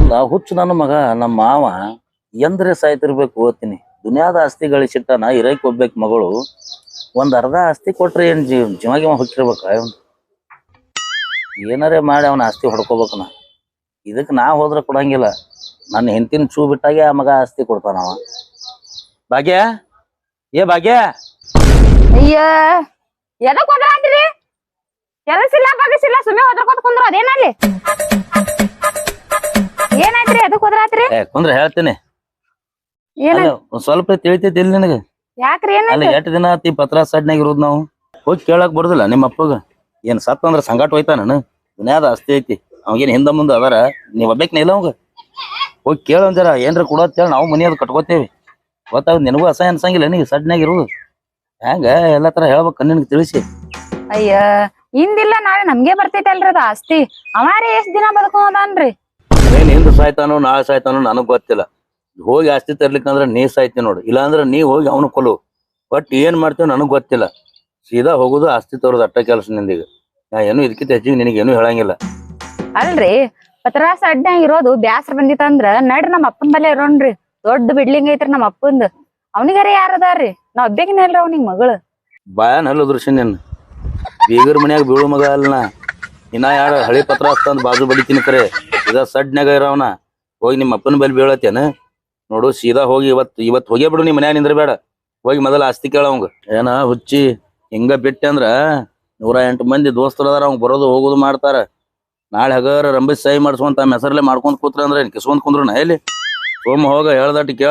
ಅಲ್ಲ ಹುಚ್ಚು ನನ್ನ ಮಗ ನಮ್ಮ ಮಾವ ಎಂದ್ರೆ ಸಾಯ್ತಿರ್ಬೇಕು ಓದ್ತೀನಿ ದುನಿಯಾದ ಆಸ್ತಿ ಗಳಿಸಿಟ್ಟಾನ ಇರಕ್ ಹೋಗ್ಬೇಕು ಮಗಳು ಒಂದ್ ಅರ್ಧ ಆಸ್ತಿ ಕೊಟ್ರೆ ಏನ್ ಜೀವ ಹುಚ್ಚಿರ್ಬೇಕ ಏನಾರೇ ಮಾಡಿ ಅವನ ಆಸ್ತಿ ಹೊಡ್ಕೋಬೇಕನ ಇದಕ್ ನಾ ಹೋದ್ರ ಕೊಡಂಗಿಲ್ಲ ನನ್ನ ಹೆಂಡತಿನ ಚೂ ಬಿಟ್ಟಾಗೆ ಆ ಮಗ ಆಸ್ತಿ ಕೊಡ್ತಾನವ ಭಾಗ್ಯ ಏ ಭಾಗ್ಯ ಅಯ್ಯ ಎದಕ್ ಹೋದ್ರಾತ್ರಿ ಕೆಲಸ ಇಲ್ಲ ಬಗಸಿಲ್ಲ ಸುಮ್ಮನೆ ಹೋದ್ರಕೋತ ಕುಂದ್ರ ಅದೇನಲ್ಲಿ ಏನಾಯ್ತ್ರಿ ಅದಕ್ ಹೋದ್ರಾತ್ರಿ ಕುಂದ್ರ ಹೇಳ್ತೀನಿ ಒಂದ್ ಸ್ವಲ್ಪ ತಿಳಿತೈತಿ ಇಲ್ಲಿ ನಿನಗ ಯಾಕ್ರಿ ಅಲ್ಲ ಏನಾಯ್ತು ಎಷ್ಟ್ ದಿನ ಆತಿ ಪತ್ರ ಸಡ್ನಾಗ ಇರೋದ್ ನಾವು ಹೋಗಿ ಕೇಳಕ್ ಬರುದಿಲ್ಲ ನಿಮ್ಮ ಅಪ್ಪಗ ಏನ್ ಸತ್ತ ಅಂದ್ರ ಸಂಗಾಟ ಹೋಯ್ತಾ ನಾನು ದುನಿಯಾದ ಆಸ್ತಿ ಐತಿ ಅವಾಗೇನ್ ಹಿಂದ ಮುಂದ ಅದಾರ ನೀವ್ ಒಬ್ಬೇಕ್ನ ಇಲ್ಲ ಅವಂಗ ಹೋಗಿ ಕೇಳಂಜಾರ ಏನ್ರ ಕೊಡತ್ತೇಳಿ ನಾವು ಮನಿ ಅದ್ ಕಟ್ಕೋತೇವಿ ಗೊತ್ತಾಗ ನಿನಗೂ ಅಸಹ್ಯ ಅನ್ಸಂಗಿಲ್ಲ ನೀ ಸಡ್ನಾಗ ಇರುದು ಹೆಂಗ ಎಲ್ಲಾ ತರ ಹೇಳ್ಬೇಕ ನಿನಗೆ ತಿಳಿಸಿ ಅಯ್ಯ ಇಂದಿಲ್ಲ ನಾಳೆ ನಮ್ಗೆ ಬರ್ತೈತಲ್ರಿ ಅದ ಆಸ್ತಿ ಅವಾರೇ ಎಷ್ಟ್ ದಿನ ಬದುಕೋದನ್ರಿ ಏನ್ ಹಿಂದ್ ಸಾಯ್ತಾನೋ ನಾಳೆ ಸಾಯ್ತಾನೋ ನನಗ್ ಗೊತ್ತಿಲ್ಲ ಹೋಗಿ ಆಸ್ತಿ ತರ್ಲಿಕ್ಕಂದ್ರ ನೀ ಸಾಯ್ತಿ ನೋಡು ಇಲ್ಲಾಂದ್ರ ನೀ ಹೋಗಿ ಅವನು ಕೊಲು ಬಟ್ ಏನ್ ಮಾಡ್ತೇವ್ ನನಗ್ ಗೊತ್ತಿಲ್ಲ ಸೀದಾ ಹೋಗುದು ಆಸ್ತಿ ತರೋದು ಅಟ್ಟ ಕೆಲಸ ನಿಂದೀಗ ನಾ ಏನು ಇದಕ್ಕಿಂತ ಹೆಚ್ಚಿಗೆ ನಿನಗೇನು ಹೇಳಂಗಿಲ್ಲ ಅಲ್ರಿ ಪತ್ರಾಸ ಅಡ್ಡ್ಯಾಗ ಇರೋದು ಬ್ಯಾಸ್ರ ಬಂದಿತ್ತಂದ್ರ ನಡ್ರಿ ನಮ್ಮ ಅಪ್ಪನ ಬಲ್ಲೆ ಇರೋಣ್ರಿ ದೊಡ್ಡ ಬಿಡ್ಲಿಂಗ್ ಐತ್ರಿ ನಮ್ಮ ಅಪ್ಪಂದ ಅವನಿಗಾರ ಯಾರದಾರ್ರಿ ನಾವ್ ಒಬ್ಬೇಕಿನ ಇಲ್ರಿ ಅವ್ನಿಗ್ ಮಗಳು ಬಾಯನ್ ಹಲ್ಲು ದೃಶ್ಯ ನಿನ್ ಬೀಗರ್ ಮನ್ಯಾಗ ಬೀಳು ಮಗ ಅಲ್ನ ಇನ್ನ ಯಾರ ಹಳಿ ಪತ್ರ ಹಸ್ತಂದ್ ಬಾಜು ಬಡಿತೀನಿ ಕರೆ ಇದ ಸಡ್ನ್ಯಾಗ ಇರವನ ಹೋಗಿ ನಿಮ್ಮ ಅಪ್ಪನ ಬಲ್ಲಿ ಬೀಳತ್ತೇನ ನೋಡು ಸೀದಾ ಹೋಗಿ ಇವತ್ ಹೋಗೇ ಬಿಡು ನಿಮ್ ಮನ್ಯಾಗ ನಿಂದ್ರ ಬೇಡ ಹೋಗಿ ಮೊದಲ ಆಸ್ತಿ ಕೇಳವಂಗ ಏನ ಹುಚ್ಚಿ ಹಿಂಗ ಬಿಟ್ಟೆ ಅಂದ್ರ 108 ಮಂದಿ ದೋಸ್ತರು ಅದಾರ ಅವ್ನ್ ಬರೋದು ಹೋಗೋದು ಮಾಡ್ತಾರ ನಾಳೆ ಹಗರ ರಂಬಿಸ್ ಸಹಿ ಮಾಡ್ಸ್ಕೊಂತ ಹೆಸರಲ್ಲೇ ಮಾಡ್ಕೊಂಡ್ ಕೂತ್ರ ಅಂದ್ರೆ ಕಿಸ್ಕೊಂಡ್ ಕುಂದ್ರು ಎಲ್ಲಿ ಸೋಮ ಹೋಗ ಹೇಳ್ದಟ್ಟು ಕೇಳ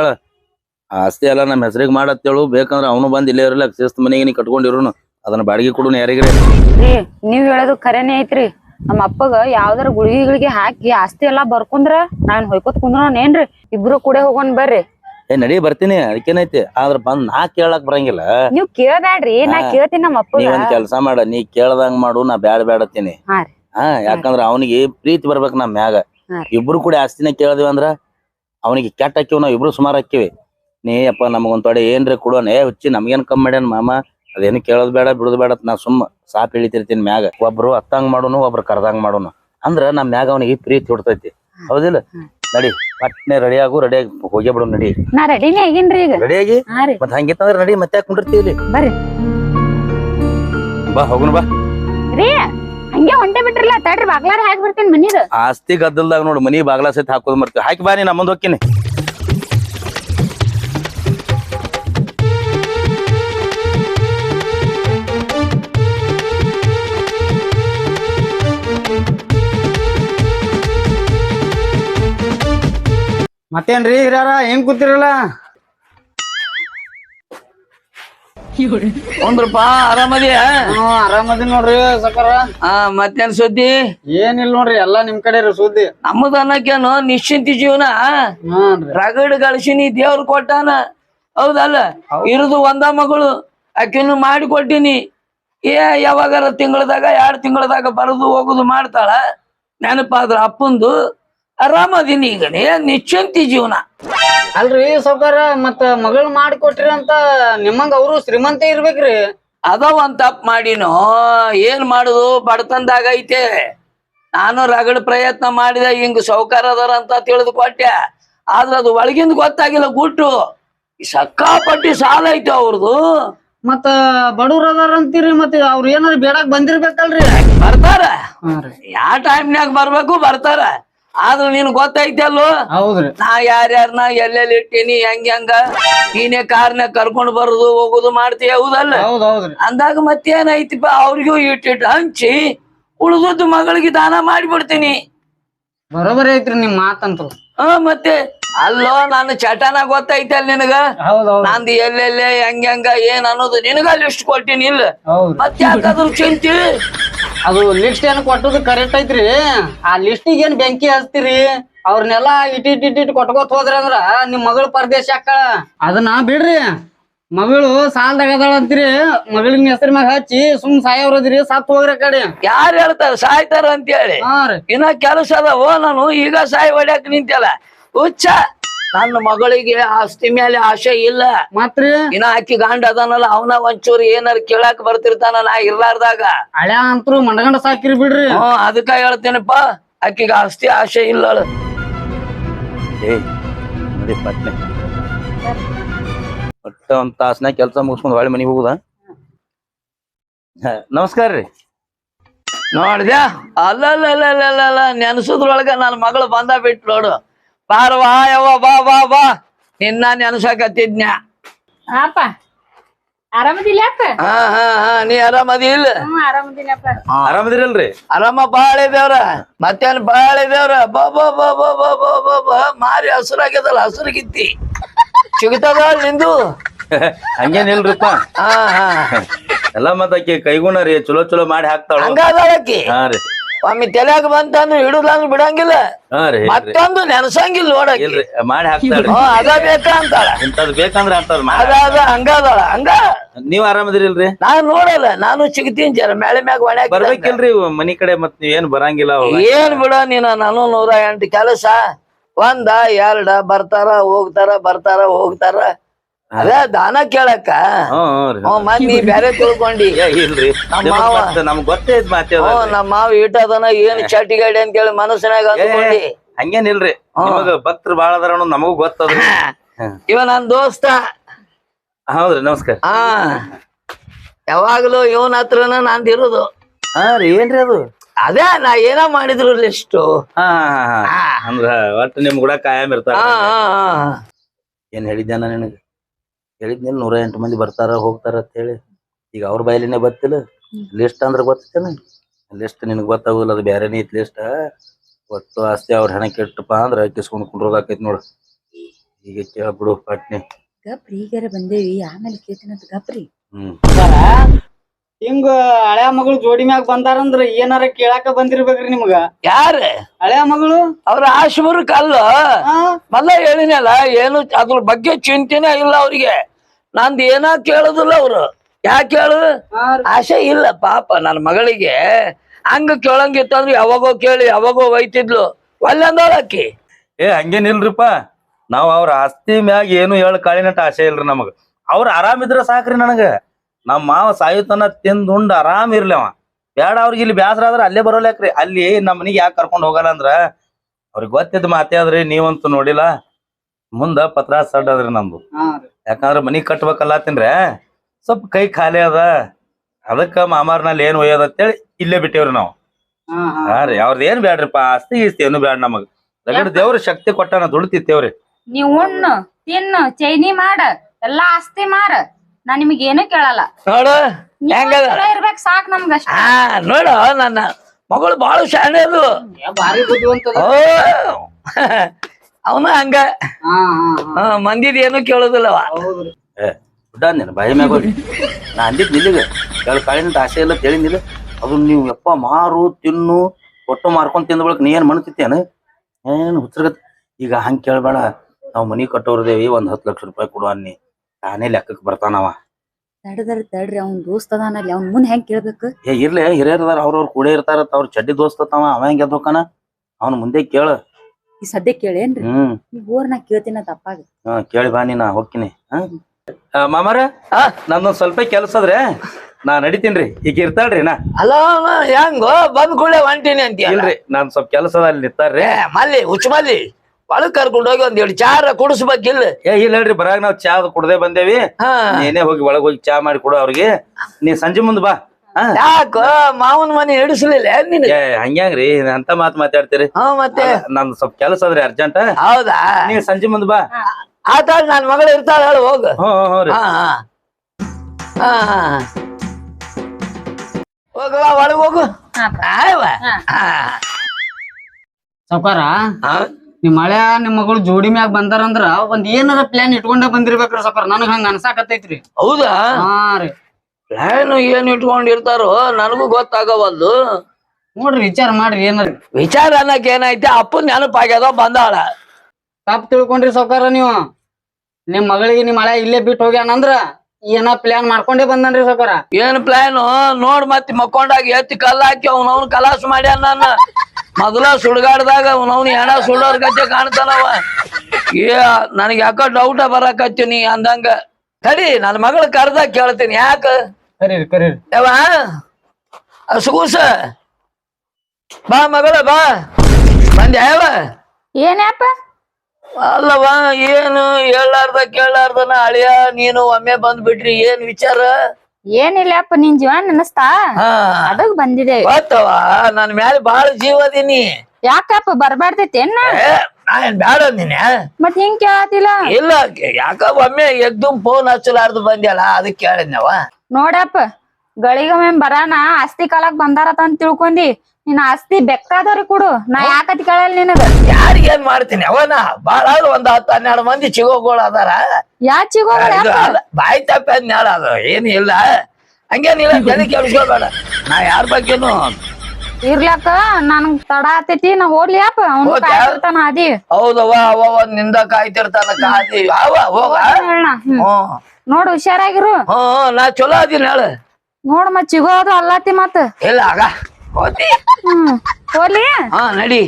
ಆಸ್ತಿ ಎಲ್ಲ ನಮ್ಮ ಹೆಸರಿಗೆ ಮಾಡತ್ತೇಳು ಬೇಕಂದ್ರ ಅವನು ಬಂದ್ ಇಲ್ಲೇ ಇರಲ್ಲ ಶಿಸ್ತ್ ಮನೆಗೆ ನೀ ಕಟ್ಕೊಂಡಿರೋನು ಅದನ್ನ ಬಾಡಿಗೆ ಕೊಡುನು ಯಾರಿಗ್ರೆ ರೀ ನೀವ್ ಹೇಳೋದು ಖರೇನೆ ಐತ್ರಿ ನಮ್ಮ ಅಪ್ಪಗ ಯಾವ್ದಾರ ಗುಳಿಗೆಗಳಿಗೆ ಹಾಕಿ ಆಸ್ತಿ ಎಲ್ಲಾ ಬರ್ಕೊಂಡ್ರ ನಾನ್ ಹೊಯ್ಕೋತ್ ಕುಂದ್ರನೇನ್ರಿ ಇಬ್ರು ಕೂಡ ಹೋಗೋಣ ಬರ್ರಿ ನಡಿ ಬರ್ತೀನಿ ಅದಕ್ಕೇನೈತಿ ಆದ್ರ ಬಂದ್ ನಾ ಕೇಳಕ್ ಬರಂಗಿಲ್ಲ ನೀವ್ ಕೇಳ್ಬ್ಯಾಡ್ರಿ ನಾ ಕೇಳ್ತೀನಿ ನಮ್ಮ ನೀ ಅಪ್ಪಗ ಒಂದ್ ಕೆಲ್ಸ ಮಾಡ ನೀ ಕೇಳ್ದಂಗ್ ಮಾಡು ನಾ ಬ್ಯಾಡತ್ತೀನಿ ಹಾ ರೀ ಯಾಕಂದ್ರ ಅವನಿಗೆ ಪ್ರೀತಿ ಬರ್ಬೇಕ್ ನಮ್ ಮ್ಯಾಗ ಹಾ. ಇಬ್ರು ಕೂಡ ಆಸ್ತಿನ ಕೇಳ್ದಿವಿ ಅಂದ್ರ ಅವನಿಗೆ ಕೆಟ್ಟ ಹಾಕಿವ್ ನಾವ್ ಇಬ್ರು ಸುಮಾರು ಹಾಕಿವಿ ನೀ ಅಪ್ಪ ನಮಗೊಂದ್ ತೊಡೆ ಏನ್ರಿ ಕೊಡೋಣ ಹುಚ್ಚಿ ನಮ್ಗೇನ್ ಕಮ್ಮಿ ಮಾಡ್ಯಾನ ಮಾಮ ಅದೇನು ಕೇಳೋದ್ ಬೇಡ ಬಿಡುದ್ ಬೇಡ ನಾ ಸುಮ್ಮ ಸಾಪ್ ಇಳಿತಿರ್ತೀನಿ ಮ್ಯಾಗ ಒಬ್ರು ಅತ್ತಂಗ್ ಮಾಡೋನು ಒಬ್ರು ಕರ್ದಂಗ್ ಮಾಡೋನು ಅಂದ್ರ ನಮ್ ಮ್ಯಾಗ ಅವನಿಗೆ ಪ್ರೀತಿ ಹುಡ್ತೈತಿ ಹೌದಿಲ್ಲ ನಡಿ ಪಟ್ನೆ ರೆಡಿಯಾಗು ರೆಡಿಯಾಗಿ ಹೋಗಿ ಬಿಡು ನಡಿ ನಾ ರೆಡಿನೇ ಆಗೇನ್ರಿ ಈಗ ರೆಡಿಯಾಗಿ ಹಾ ರೀ ಮತ್ ಹಂಗಿತ್ತಂದ್ರ ನಡಿ ಮತ್ತೆ ಕುಂಡಿರ್ತೀವಿ ಇಲ್ಲಿ ಬರ್ರಿ ಬಾ ಹೋಗುಣ ಬಾ ರೀ ಹಂಗೆ ಹೊಂಟೆ ಬಿಟ್ರಲ್ಲ ತಡ್ರಿ ಬಾಗ್ಲಾರ ಹಾಕಿ ಬರ್ತೀನಿ ಮನಿದ ಆಸ್ತಿ ಗದ್ದಲ್ದಾಗ ನೋಡು ಮನಿ ಬಾಗ್ಲಾ ಸಹಿತ ಹಾಕೋದ್ ಮರ್ತೀವಿ ಹಾಕಿ ಬಾ ನೀ ನಾ ಮುಂದ್ ಹೋಗ್ತೀನಿ ಮತ್ತೇನ್ರಿ ಹಿರಿಯಾರ ಹೆಂಗ್ ಕೂತಿರಲ್ಲ ಒಂದ್ರಪ್ಪ ಆರಾಮದಿಯ ಆರಾಮದಿ ನೋಡ್ರಿ ಸಕಾರ ಮತ್ತೇನ್ ಸುದ್ದಿ ಏನಿಲ್ಲ ನೋಡ್ರಿ ಎಲ್ಲಾ ನಿಮ್ ಕಡೆ ರೀ ಸುದ್ದಿ ನಮ್ಮದ ಅನ್ನಕೇನು ನಿಶ್ಚಿಂತಿ ಜೀವನ ಹಾನ್ರಿ ರಗಡ್ ಗಳಿಸಿನಿ ದೇವ್ರು ಕೊಟ್ಟಾನ ಹೌದಲ್ಲ ಇರುದು ಒಂದ ಮಗಳು ಆಕಿನ್ನು ಮಾಡಿ ಕೊಟ್ಟಿನಿ ಯಾವಾಗಾರ ತಿಂಗಳದಾಗ 2 ತಿಂಗಳದಾಗ ಬರುದು ಹೋಗುದು ಮಾಡ್ತಾಳ ನೆನಪಾದ್ರ ಅಪ್ಪಂದು ಆರಾಮದಿನಿ ಈಗ ನಿಶ್ಚಿಂತಿ ಜೀವನ ಅಲ್ರಿ ಸೌಕಾರ ಮತ್ತ ಮಗಳ್ ಮಾಡಿಕೊಟ್ರಿ ಅಂತ ನಿಮ್ಮಂಗ ಅವರು ಶ್ರೀಮಂತ ಇರ್ಬೇಕ್ರಿ ಅದ ಒಂದ್ ತಪ್ಪು ಮಾಡಿನೋ ಏನ್ ಮಾಡುದು ಬಡತನದಾಗ ಐತೆ ನಾನು ರಗಡ್ ಪ್ರಯತ್ನ ಮಾಡಿದೆ ಹಿಂಗ ಸೌಕಾರ ಅದಾರ ಅಂತ ತಿಳಿದು ಕೊಟ್ಟೆ ಆದ್ರ ಅದು ಒಳಗಿಂದ ಗೊತ್ತಾಗಿಲ್ಲ ಗುಟ್ಟು ಸಕ್ಕಾಪಟ್ಟಿ ಸಾಲ ಐತೆ ಅವ್ರದು ಮತ್ತ ಬಡವ್ರ ಅದಾರ ಅಂತೀರಿ ಮತ್ತ ಅವ್ರ ಏನಾರ ಬೇಡಾಕ್ ಬಂದಿರ್ಬೇಕಲ್ರಿ ಬರ್ತಾರ ಹಾನ್ರಿ ಯಾವ ಟೈಮ್ನ್ಯಾಗ ಬರ್ಬೇಕು ಬರ್ತಾರ ಆದ್ರ ನೀನ್ ಗೊತ್ತೈತಿ ಅಲ್ಲೋ ಹೌದ್ರಿ ನಾ ಯಾರ್ಯಾರನ್ನ ಎಲ್ಲೆಲ್ಲಿ ಇಟ್ಟೀನಿ ಹೆಂಗ ನೀನೇ ಕಾರ್ನ್ಯಾಗ ಕರ್ಕೊಂಡ್ ಬರುದು ಹೋಗುದು ಮಾಡ್ತೀಯ ಹೌದಲ್ಲ ಹೌದ್ರಿ ಅಂದಾಗ ಮತ್ತೇನೈತಿಪ್ಪ ಅವ್ರಿಗೂ ಇಟ್ಟಿಟ್ಟು ಹಂಚಿ ಉಳಿದದ್ದು ಮಗಳಿಗೆ ದಾನ ಮಾಡಿಬಿಡ್ತೀನಿ ಬರೋಬರಿ ಐತ್ರಿ ನಿಮ್ ಮಾತಂತ್ರು ಮತ್ತೆ ಅಲ್ಲೋ ನಾನು ಚಟನ ಗೊತ್ತೈತಿ ಅಲ್ಲಿ ನಿನಗ ನಂದು ಎಲ್ಲೆಲ್ಲೇ ಹೆಂಗ ಏನ್ ಅನ್ನೋದು ನಿನಗ ಲಿಸ್ಟ್ ಕೊಟ್ಟಿನಿ ಇಲ್ಲ ಮತ್ತೆ ಯಾಕಾದ್ರು ಚಿಂತಿ ಅದು ಲಿಸ್ಟ್ ಏನ್ ಕೊಟ್ಟದು ಕರೆಕ್ಟ್ ಐತ್ರಿ ಆ ಲಿಸ್ಟಿಗೆ ಏನ್ ಬೆಂಕಿ ಹಚ್ತಿರಿ ಅವ್ರನ್ನೆಲ್ಲಾ ಇಟ್ಟಿಟ್ ಕೊಟ್ಕೋತ್ ಹೋದ್ರಿ ಅಂದ್ರ ನಿಮ್ ಮಗಳು ಪರದೇಶ ಹಾಕಳ ಅದನ್ನ ಬಿಡ್ರಿ ಮಗಳು ಸಾಲದಾಗ ಅದಾಳ ಅಂತೀರಿ ಮಗಳಿನ ಹೆಸರು ಮ್ಯಾಗ ಹಚ್ಚಿ ಸುಮ್ ಸಾಯವ್ರದ್ರಿ ಸತ್ ಹೋಗ್ರಿ ಕಡೆ ಯಾರು ಹೇಳ್ತಾರ ಸಾಯ್ತಾರ ಅಂತ ಹೇಳಿ ಇನ್ನ ಕೆಲಸ ಅದಾವೋ ನಾನು ಈಗ ಸಾಯಿ ಹೊಡ್ಯಾಕ ನಿಂತಲ್ಲ ಹುಚ್ಚ ನನ್ನ ಮಗಳಿಗೆ ಆಸ್ತಿ ಮೇಲೆ ಆಸೆ ಇಲ್ಲ ಮತ್ರಿ ಇನ್ನ ಆಕಿ ಗಂಡ ಅದಾನಲ್ಲ ಅವನ ಒಂಚೂರು ಏನಾರ ಕೇಳಾಕ್ ಬರ್ತಿರ್ತಾನ ನಾ ಇರ್ಲಾರ್ದಾಗ ಹಳ್ಯಾ ಅಂತರು ಮಂಡಗಂಡ ಸಾಕಿರಿ ಬಿಡ್ರಿ ಅದಕ್ಕ ಹೇಳ್ತೇನಪ್ಪ ಆಕಿಗ ಆಸ್ತಿ ಆಸೆ ಇಲ್ಲ ಏಯ್ ನೋಡಿ ಪಟ್ನೆ ಒಟ್ಟ ಒಂದ್ ತಾಸ್ನಾಗ ಕೆಲಸ ಮುಗಿಸ್ಕೊಂಡು ಹೊಳ್ಳಿ ಮನೆಗೆ ಹೋಗುದಾ? ನಮಸ್ಕಾರ ರೀ. ನೋಡ್ದ್ಯಾ ಅಲ್ಲಲ್ಲ ನೆನ್ಸುದ್ರೊಳಗ ನನ್ನ ಮಗಳು ಬಂದ ಬಿಟ್ಟು ನೋಡು. ಬಾರವಾ ಯವ್ವ ಬಾ ಬಾ ಬಾ ನಿನ್ನ ನೆನ್ಸಕತ್ತಿದ್ನ್ಯಾ. ಅಪ್ಪ ಆರಾಮದಿಲ್ಲಪ್ಪ? ಹಾ ನೀ ಆರಾಮದಿ ಇಲ್ಲ? ಆರಾಮದಿಲ್ಲಪ್ಪ. ಆರಾಮದಿರಲ್ರಿ? ಆರಾಮ ಬಾಳ ಇದೇವ್ರ ಮತ್ತೇನ್ ಬಾಳ ಇದೇವ್ರ. ಬಾ ಬಾ ಬಾ ಬಾ ಬಾ ಬಾ ಬಾ ಬಾ ಮಾರಿ ಹಸುರಾಗ್ಯದಲ್ಲ ಹಸುರಿಗಿತ್ತಿ ಸಿಗ್ತದ ನಿಂದು? ಹಂಗೇನಿಲ್ರಿಪ್ಪ. ಹಾ ಎಲ್ಲಾ ಮತ್ತಕಿ ಕೈಗುಣ ರೀ ಚಲೋ ಚಲೋ ಮಾಡಿ ಹಾಕ್ತಾಳ. ಹಂಗಾದಳಕಿ ಹಾ ರೀ ಒಮ್ಮೆ ತಲೆಯಾಗ ಬಂತಂದ್ರೆ ಹಿಡುದಂದ್ರೆ ಬಿಡಂಗಿಲ್ಲ, ಹಾ ರೀ ಮತ್ತೊಂದು ನೆನಸಂಗಿಲ್ಲ ನೋಡಕಿ. ಇಲ್ರಿ ಮಾಡಿ ಹಾಕ್ತಾಳ್ರಿ. ಅದ ಬೇಕ ಅಂತಾಳ. ಇಂತದ್ ಬೇಕಂದ್ರ ಅಂತದ್ ಅದ ಹಂಗಾದಳ ಹಂಗ. ನೀವ್ ಆರಾಮದಿರಿಲ್ರಿ? ನಾನ್ ನೋಡಲ್ಲ, ನಾನು ಸಿಗ್ತೀನಿ ಜರ ಮ್ಯಾಲೆ ಮ್ಯಾಗ ಒಣ ಬರ್ಬೇಕಿಲ್ರಿ ಮನಿ ಕಡೆ ಮತ್ ನೀವ್ ಏನ್ ಬರಂಗಿಲ್ಲ ಅವಾಗ. ಏನ್ ಬಿಡ ನೀನ. ನಾನು 108 ಕೆಲಸ, 1 2 ಬರ್ತಾರ ಹೋಗ್ತಾರ. ಅದೇ ದಾನ ಕೇಳಕ್ಕ. ಮತ್ ನೀ ಬ್ಯಾರೆ ತಿಳ್ಕೊಂಡಿ. ಇಲ್ರಿ ನಮ್ಮ ಮಾವ ನಮ್ಗ್ ಗೊತ್ತೇ ಇದ್ ಮಾತೇ ಅದ. ನಮ್ಮ ಮಾವ ಈಟದನ ಏನ್ ಚಟಿಗಾಡಿ ಅಂತ ಹೇಳಿ ಮನಸ್ಸಿನಾಗ ಅಂದ್ಕೊಂಡಿ. ಹಂಗೇನಿಲ್ರಿ, ನಿಮಗ ಭಕ್ತರು ಬಾಳ ಅದಾರ ಅನ್ನೋದು ನಮಗೂ ಗೊತ್ತದ್ರಿ. ಇವ ನನ್ ದೋಸ್ತ. ಹೌದ್ರಿ ನಮಸ್ಕಾರ. ಯಾವಾಗ್ಲೂ ಇವನ್ ಹತ್ರನ ನಂದಿರೋದು. ಹಾ ರೀ ಏನ್ರಿ ಅದು? ಅದೇ ನಾ ಏನ ಮಾಡಿದ್ರು ಲಿಸ್ಟು. ಅಂದ್ರ ಒಟ್ಟು ನಿಮ್ ಕೂಡ ಕಾಯಂ ಇರ್ತಾರ. ಏನ್ ಹೇಳಿದ್ದೆ ನಾ ನಿನಗ? ಹೇಳಿದ್ನಿಲ್ 108 ಮಂದಿ ಬರ್ತಾರ ಹೋಗ್ತಾರ ಅಂತ ಹೇಳಿ. ಈಗ ಅವ್ರ ಬಾಯಲಿನೇ ಗೊತ್ತಿಲ್ಲ. ಲಿಸ್ಟ್ ಅಂದ್ರ ಗೊತ್ತೇನ? ಲಿಸ್ಟ್ ನಿನಗ್ ಗೊತ್ತಾಗುದಿಲ್ಲ, ಅದು ಬ್ಯಾರೆನೇ ಐತಿ ಲಿಸ್ಟ್. ಒಟ್ಟು ಆಸ್ತಿ ಅವ್ರ ಹೆಣ ಕೆಟ್ಟಪ್ಪ ಅಂದ್ರ ಕಿಸ್ಕೊಂಡ್ ಕುಂಡ್ರೋದಾಕೈತಿ ನೋಡು. ಈಗ ಕೇಳ್ಬಿಡು ಪಟ್ನಿ. ಗಪ್ರಿ ಈಗಾರ ಬಂದೇವಿ, ಆಮೇಲೆ ಕೇಳ್ತೀನಂತ ಗಪ್ರಿ. ಹಿಂಗ ಹಳೆ ಮಗಳು ಜೋಡಿ ಮ್ಯಾಗ ಬಂದಾರಂದ್ರ ಏನಾರ ಕೇಳಾಕ ಬಂದಿರ್ಬೇಕ್ರಿ ನಿಮ್ಗ. ಯಾರ ಹಳೆ ಮಗಳು? ಅವ್ರ ಆಶ್ಮುರಕ್ ಅಲ್ಲ, ಮೊದ್ಲ ಹೇಳಿನಲ್ಲ, ಏನು ಅದ್ರ ಬಗ್ಗೆ ಚಿಂತೆನೇ ಇಲ್ಲ ಅವ್ರಿಗೆ. ನಂದ್ ಏನ ಕೇಳುದಿಲ್ಲ ಅವ್ರು. ಯಾಕೆ ಹೇಳು? ಆಸೆ ಇಲ್ಲ ಪಾಪ ನನ್ನ ಮಗಳಿಗೆ. ಹಂಗ ಕೇಳಂಗಿತ್ತಂದ್ರ ಯಾವಾಗೋ ಕೇಳಿ ಯಾವಾಗೋ ಒಯ್ತಿದ್ಲು. ಒಲ್ಲೆಂದೋಳಕ್ಕಿ. ಹಂಗೇನಿಲ್ರಿಪ್ಪ, ನಾವ್ ಅವ್ರ ಆಸ್ತಿ ಮ್ಯಾಗ ಏನು ಹೇಳ ಕಾಳಿನಟ ಆಸೆ ಇಲ್ರಿ ನಮಗ. ಅವ್ರ ಆರಾಮಿದ್ರ ಸಾಕ್ರಿ ನನಗ. ನಮ್ಮ ಮಾವ ಸಾಯುತನ ತಿಂದುಂಡ್ ಆರಾಮ್ ಇರ್ಲಿ ಅವ. ಬ್ಯಾಡ ಅವ್ರಿಗೆ ಇಲ್ಲಿ ಬ್ಯಾಸರ ಆದ್ರ ಅಲ್ಲೇ ಬರೋಲ್ಯಾಕ್ರಿ. ಅಲ್ಲಿ ನಮ್ಮ ಮನಿಗೆ ಯಾಕೆ ಕರ್ಕೊಂಡ್ ಹೋಗಲ್ಲ ಅಂದ್ರ ಅವ್ರಿಗೆ ಗೊತ್ತಿದ್ ಮಾತೇ ಆದ್ರಿ. ನೀವಂತೂ ನೋಡಿಲ್ಲ. ಮುಂದ ಪತ್ರ ಸಡ್ ಅದ್ರಿ ನಮ್ದು. ಯಾಕಂದ್ರ ಮನಿ ಕಟ್ಬೇಕಲ್ಲತ್ತೇನ್ರೆ ಸ್ವಲ್ಪ ಕೈ ಖಾಲಿ ಅದ. ಅದಕ್ಕ ಮಾಮಾರ್ನಲ್ಲಿ ಏನ್ ಒಯ್ಯೋದ ಅಂತೇಳಿ ಇಲ್ಲೇ ಬಿಟ್ಟೇವ್ರಿ ನಾವು. ಹಾ ರೀ ಅವ್ರದ್ ಏನ್ ಬ್ಯಾಡ್ರಿಪ್ಪ, ಆಸ್ತಿ ಗೀಸ್ತಿ ಏನು ಬ್ಯಾಡ ನಮಗ್. ರಗಡ್ ದೇವ್ರ ಶಕ್ತಿ ಕೊಟ್ಟಾನ, ದುಡ್ತಿತ್ತೇವ್ರಿ. ನೀವ್ ಉಣ್ಣು ತಿನ್ನು ಚೈನಿ ಮಾಡ ಎಲ್ಲಾ ಆಸ್ತಿ ಮಾರ, ನಾ ನಿಮಗ್ ಏನು ಕೇಳಲ್ಲ. ನೋಡು ಹೆಂಗದ ಇರ್ಬೇಕ್ ಸಾಕ್ ನಮ್ಗ ಅಷ್ಟ. ನೋಡು ನನ್ನ ಮಗಳು ಬಾಳ ಶಾಣೆ ಅದು. ಭಾರಿ ಬುದ್ಧಿವಂತ. ಅವನ ಹಂಗ ಮಂದಿದ್ ಏನು ಕೇಳುದಿಲ್ಲವ. ದುಡ್ಡ ಬಾಯಿ ಮ್ಯಾಗ ನಾ ಅಂದಿದ್ ನಿಲ್ಲಿಗ ಕೆಲ ಕಾಳಿನಂತ ಆಸೆ ಇಲ್ಲ ತಿಳಿನಿಲ್ಲ. ಅದು ನೀವು ಯಪ್ಪ ಮಾರು ತಿನ್ನು ಒಟ್ಟು ಮಾರ್ಕೊಂಡ್ ತಿಂದ ಬಳಕ ನೀ ಏನ್ ಮಣ್ತಿತ್ತೇನ? ಏನ್ ಹುಚ್ಚರ್ಗತ್. ಈಗ ಹಂಗ ಕೇಳ್ಬೇಡ. ನಾವ್ ಮನಿ ಕಟ್ಟೋರ್ದೇವಿ, 10 ಲಕ್ಷ ರೂಪಾಯಿ ಕೊಡು ಅನ್ನಿ, ತಾನೇ ಲೆಕ್ಕಕ್ ಬರ್ತಾನವ. ತಡ್ರಿ ಅವ್ನ್ ದೋಸ್ತ ಅದಾನಲ್ಲಿ, ಅವ್ನ್ ಮುಂದ್ ಹೆಂಗ್ ಕೇಳ್ಬೇಕು? ಇರ್ಲಿ, ಹಿರಿಯರ್ದಾರ ಅವ್ರವ್ರ ಕೂಡ ಇರ್ತಾರತ್. ಅವ್ರ ಚಡ್ಡಿ ದೋಸ್ತವ, ಅವ ಹೆಂಗ್ ಎದ್ದೋಕನ? ಅವ್ನ ಮುಂದೆ ಕೇಳ. ಈ ಸದ್ಯ ಕೇಳೇನ್ರಿ? ನೀವ್ ಓರ್ ನಾ ಕೇಳ್ತೀನ ತಪ್ಪಾಗ. ಕೇಳಿ ಬಾ, ನೀ ನಾ ಹೋಗ್ತೀನಿ. ಮಾಮಾರ ನಂದೊಂದ್ ಸ್ವಲ್ಪ ಕೆಲಸ ಅದ್ರಿ, ನಾ ನಡಿತೀನ್ರಿ. ಈಗ ಇರ್ತಾಳ್ರಿ ನಾ. ಅಲ್ಲ ಹೆಂಗೋ ಬಂದ್ ಕೂಡಲೇ ಹೊಂಟೀನಿ ಅಂತ? ಇಲ್ರಿ, ನಾನ್ ಸ್ವಲ್ಪ ಕೆಲಸ ಅದ, ಅಲ್ಲಿ ನಿಂತಾರ್ರಿ. ಮಲ್ಲಿ ಹುಚ್ಚ ಮಲ್ಲಿ ಒಳಗ್ ಕರ್ಕೊಂಡ್ ಹೋಗಿ 1 ಚಾರ ಕುಡಿಸ್ಬೇಕಿಲ್ಲ? ಇಲ್ಲ ಹೇಳ್ರಿ, ಬರಾಗ ನಾವ್ ಚಾ ಕುಡ್ದೇ ಬಂದೇವಿ. ನೀನೇ ಹೋಗಿ ಒಳಗ್ ಹೋಗಿ ಚಾ ಮಾಡಿ ಕೊಡು ಅವ್ರಿಗೆ. ನೀ ಸಂಜೆ ಮುಂದ್ ಬಾ. ಯಾಕ ಮಾವನ್ ಮನೆ ಹಿಡಿಸ್ಲಿಲ್ಲ ನೀನು? ಹಂಗ್ಯಾಂಗ್ರಿ ಅಂತ ಮಾತ್ ಮಾತಾಡ್ತೀರಿ? ಮತ್ತೆ ನಂದ್ ಸ್ವಲ್ಪ ಕೆಲಸ ಅದ್ರಿ ಅರ್ಜೆಂಟ್. ಹೌದಾ? ನೀವ್ ಸಂಜೆ ಮುಂದ್ ಬಾ. ಆತ ನನ್ ಮಗಳು ಇರ್ತಾಳ, ಹೇಳು ಹೋಗ. ಹೋಗುವ ಒಳಗ್ ಹೋಗು. ಸಾವ್ಕಾರ, ನಿಮ್ ಹಳೆ ನಿಮ್ ಮಗಳು ಜೋಡಿ ಮ್ಯಾಗ ಬಂದಾರಂದ್ರ ಒಂದ್ ಏನಾರ ಪ್ಲಾನ್ ಇಟ್ಕೊಂಡ ಬಂದಿರ್ಬೇಕ್ರಿ ಸಾವ್ಕಾರ. ನನಗ್ ಹಂಗ ಅನ್ಸಾಕತ್ತೈತ್ರಿ. ಹೌದಾ? ರೀ ಪ್ಲಾನ್ ಏನ್ ಇಟ್ಕೊಂಡಿರ್ತಾರೋ ನನಗೂ ಗೊತ್ತಾಗವಲ್ದು. ನೋಡ್ರಿ ವಿಚಾರ ಮಾಡ್ರಿ. ಏನಾರ ವಿಚಾರ ಅನ್ನಕ್ ಏನೈತಿ, ಅಪ್ಪನ್ ನೆನಪಾಗ್ಯದ ಬಂದಾಳ. ತಪ್ಪು ತಿಳ್ಕೊಂಡ್ರಿ ಸಾವ್ಕಾರ ನೀವು. ನಿಮ್ ಮಗಳಿಗೆ ನಿಮ್ ಹಳೆ ಇಲ್ಲೇ ಬಿಟ್ಟು ಹೋಗ್ಯಾನಂದ್ರ ಏನ ಪ್ಲಾನ್ ಮಾಡ್ಕೊಂಡೇ ಬಂದನ್ರಿ ಸಾವ್ಕಾರ. ಏನ್ ಪ್ಲಾನ್ ನೋಡ್, ಮತ್ತೆ ಮಕ್ಕೊಂಡಾಗ ಎತ್ತಿ ಕಲ್ಲ ಹಾಕಿ ಅವ್ನವ್ನ ಕಲಾಸ ಮಾಡ್ಯಾನ. ನನ್ನ ಮೊದಲ ಸುಡ್ಗಾಡ್ದಾಗ ಅವ್ನವ್ನ ಹೆಣ ಸುಡೋರ್ ಗತ್ತೆ ಕಾಣ್ತಾನವ. ನನಗ್ ಯಾಕ ಡೌಟ ಬರಾಕತ್ತೀನಿ ಅಂದಂಗ. ತಡಿ, ನನ್ನ ಮಗಳ ಕರ್ದಾಗ ಕೇಳ್ತೀನಿ. ಯಾಕ? ಕರೀರಿ. ಯಾವ ಸುಗೂಸ ಬಾ ಮಗಳ ಬಾ. ಬಂದ್ಯಾ? ಯಾವ ಏನಪ್ಪ? ಅಲ್ಲವ ಏನು ಹೇಳಾರ್ದ ಕೇಳಾರ್ದನ ಅಳಿಯ ನೀನು ಒಮ್ಮೆ ಬಂದ್ಬಿಟ್ರಿ ಏನ್ ವಿಚಾರ? ಏನಿಲ್ಲಪ್ಪ ನಿನ್ ಜೀವ ನೆನಸ್ತಾ ಹಾ ಅದಕ್ ಬಂದಿದೆ. ಗೊತ್ತವ ನನ್ ಮ್ಯಾಲ ಬಾಳ ಜೀವ ಅದೀನಿ. ಯಾಕಪ್ಪ ಬರ್ಬಾರ್ದೈತಿ ಏನ? ನಾನ್ ಬ್ಯಾಡ ಅಂದಿನಿ. ಮತ್ ಹಿಂಗ್ ಕೇಳತಿಲ್ಲ? ಇಲ್ಲ ಯಾಕ ಒಮ್ಮೆ ಎಗ್ದುಮ್ ಫೋನ್ ಹಚ್ಚಲಾರ್ದು ಬಂದ್ಯಲ್ಲ ಅದಕ್ಕೆ ಕೇಳಿದ್ನವ. ನೋಡಪ್ಪ ಗಳಿಗೊಮ್ಮೆ ಬರಾನ ಆಸ್ತಿ ಕಾಲಕ್ ಬಂದಾರತ ಅಂತ ತಿಳ್ಕೊಂಡಿ ನಿನ್ನ ಆಸ್ತಿ ಬೆಕ್ಕಾದವ್ರಿ ಕೊಡು. ನಾ ಯಾಕತಿ ಕೇಳಲ್ಲ ನಿನಗ. ಯಾರಿಗ ಏನ್ ಮಾಡ್ತೀನಿ ಅವನ ಬಾಳ ಒಂದ್ 10-12 ಮಂದಿ ಚಿಗೋಗಳು ಅದಾರ. ಯಾ ಚಿಗೋಗಳ ಬಾಯಿ ತಪ್ಪ ನ್ಯಾಳ ಅದು ಏನು ಇಲ್ಲ. ಹಂಗೇನಿಲ್ಲ ತಲೆ ಕೆಡಿಸ್ಕೋಬೇಡ. ನಾ ಯಾರ ಬಗ್ಗೆನು ಇರ್ಲಕ್ಕ ನನ್ಗ್ ತಡ ಆತೈತಿ ನಾ ಹೋಗ್ಲಿ ಅಪ್ಪ ಅವ್ನು ಕಾಯ್ತಿರ್ತಾನ ಅದಿ. ಹೌದವ ಅವ ಒಂದ್ ನಿಂದ ಕಾಯ್ತಿರ್ತಾನ ಕಾದಿ ಅವ ಹೋಗ. ನೋಡು ಹುಷಾರಾಗಿರು. ನಾ ಚಲೋ ಅದೀನಿ ಹೇಳ. ನೋಡ್ ಮತ್ ಚಿಗೋದು ಅಲ್ಲತಿ ಮತ್ ಇಲ್ಲ ಆಗ ಹೋತಿ. ಹೋಗ್ಲಿ. ನಡಿ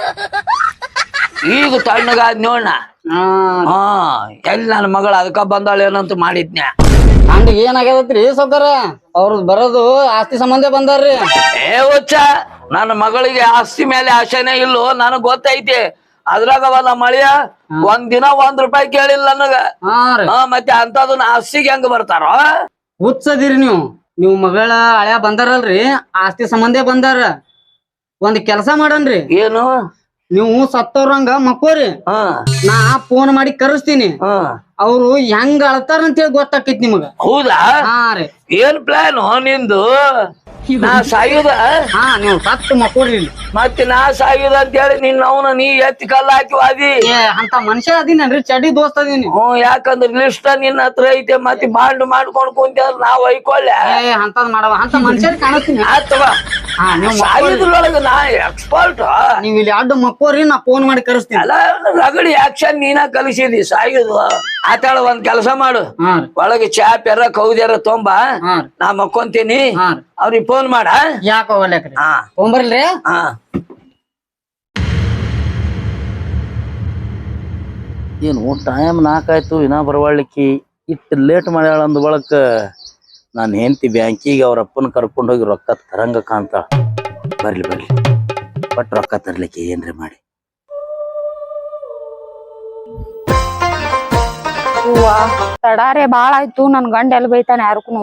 ಈಗ ತಣ್ಣಗಾದ್ ನೋಡ್ನ. ಎಲ್ಲಿ ನನ್ನ ಮಗಳ ಅದಕ್ಕ ಬಂದಾಳೇನಂತ ಮಾಡಿದ್ನ್ಯಾ. ಹಂಗ ಏನಾಗ್ಯದತ್ರಿ ಸೌಕರ ಅವ್ರದ್ ಬರೋದು ಆಸ್ತಿ ಸಂಬಂಧ ಬಂದಾರ್ರಿ. ಹುಚ್ಚ ನನ್ನ ಮಗಳಿಗೆ ಆಸ್ತಿ ಮೇಲೆ ಆಶೆನೇ ಇಲ್ಲೋ ನನಗ್ ಗೊತ್ತೈತಿ. ಅದ್ರಾಗ ನಮ್ಮ ಮಳಿಯ ಒಂದ್ ದಿನ ₹1 ಕೇಳಿಲ್ಲ ನನಗ. ಮತ್ತೆ ಅಂತದನ್ನ ಆಸ್ತಿಗೆ ಹೆಂಗ ಬರ್ತಾರೋ? ಹುಚ್ಚದಿರಿ ನೀವು ಮಗಳ ಹಳ್ಯಾ ಬಂದಾರಲ್ರಿ ಆಸ್ತಿ ಸಂಬಂಧ ಬಂದಾರ. ಒಂದ್ ಕೆಲ್ಸ ಮಾಡನ್ರಿ. ಏನು? ನೀವು ಸತ್ತವ್ರಂಗ ಮಕ್ಕೋರಿ. ನಾ ಫೋನ್ ಮಾಡಿ ಕರೆಸ್ತೀನಿ. ಅವ್ರು ಹೆಂಗ ಅಳ್ತಾರ ಅಂತ ಹೇಳಿ ಗೊತ್ತಾಕೈತಿ ನಿಮಗ. ಹೌದಾ? ಏನ್ ಪ್ಲಾನ್ ನಿಂದು? ನಾ ಸಾಯುದ? ನೀವು ಸತ್ತು ಮಕ್ಕೋರಿ. ಮತ್ತೆ ನಾ ಸಾಯುದ ಅಂತ ಹೇಳಿ ನಿನ್ನ ಅವನ ನೀ ಎತ್ತಿ ಕಲ್ಲ ಹಾಕಿ ವಾದಿ. ಅಂತ ಮನುಷ್ಯ ಅದೀನಲ್ರಿ ಚಡಿ ದೋಸ್ತ ಅದೀನಿ. ಯಾಕಂದ್ರ ಲಿಸ್ಟ್ ನಿನ್ನ ಹತ್ರ ಐತೆ. ಮತ್ತೆ ಬಾಂಡ್ ಮಾಡ್ಕೊಂಡ್ ಕುಂತ ನಾವ್ ಒಯ್ಕೊಳ್ಳೆ ಅಂತದ್ ಮಾಡವ ಅಂತ ಮನುಷ್ಯರ್ ಕಾಣಿಸ್ತೀನಿ. ಆತವ ಸಾಯುದ್ರೊಳಗ ನಾ ಎಕ್ಸ್ಪರ್ಟ್. ನೀವ್ ಇಲ್ಲಿ ಅಡ್ಡು ಮಕ್ಕೋರಿ ನಾ ಫೋನ್ ಮಾಡಿ ಕರೆಸ್ತೀನಿ. ಅಲ್ಲ ರಗಡಿ ಆಕ್ಷನ್ ನೀನ ಕಲಿಸಿದಿ ಸಾಯುದು. ಆತಾಳ ಒಂದ್ ಕೆಲಸ ಮಾಡು. ಒಳಗೆ ಚಾ ಪೆರ ಕೌದ್ಯಾರ ತೊಂಬ ನಾ ಮಕ್ಕೊಂತೀನಿ. ಅವ್ರಿಗೆ ಫೋನ್ ಮಾಡ. ಯಾಕ ಹೋಗ್ಲಕ್ರಿ ತೊಂಬರ್ಲ್ರಿ. ಏನು ಟೈಮ್ 4 ಆಯ್ತು ಇನ್ನ ಬರವಾಳ್ಲಿಕ್ಕಿ. ಇಟ್ಟು ಲೇಟ್ ಮಾಡ್ಯಾಳ ಅಂದ ಬಳಕ ನಾನು ಹೆಂಡತಿ ಬ್ಯಾಂಕಿಗೆ ಅವ್ರ ಅಪ್ಪನ ಕರ್ಕೊಂಡು ಹೋಗಿ ರೊಕ್ಕ ತರಂಗ ಕಾಣ್ತಾಳ. ಬರ್ಲಿ ಬಟ್ ರೊಕ್ಕ ತರ್ಲಿಕ್ಕೆ ಏನ್ರಿ ಮಾಡಿ. ತಡಾರೆ ಬಾಳ ಆಯ್ತು. ನನ್ ಗಂಡ ಎಲ್ಲಿ ಬೈತಾನ ಯಾರಕ್ಕೂ.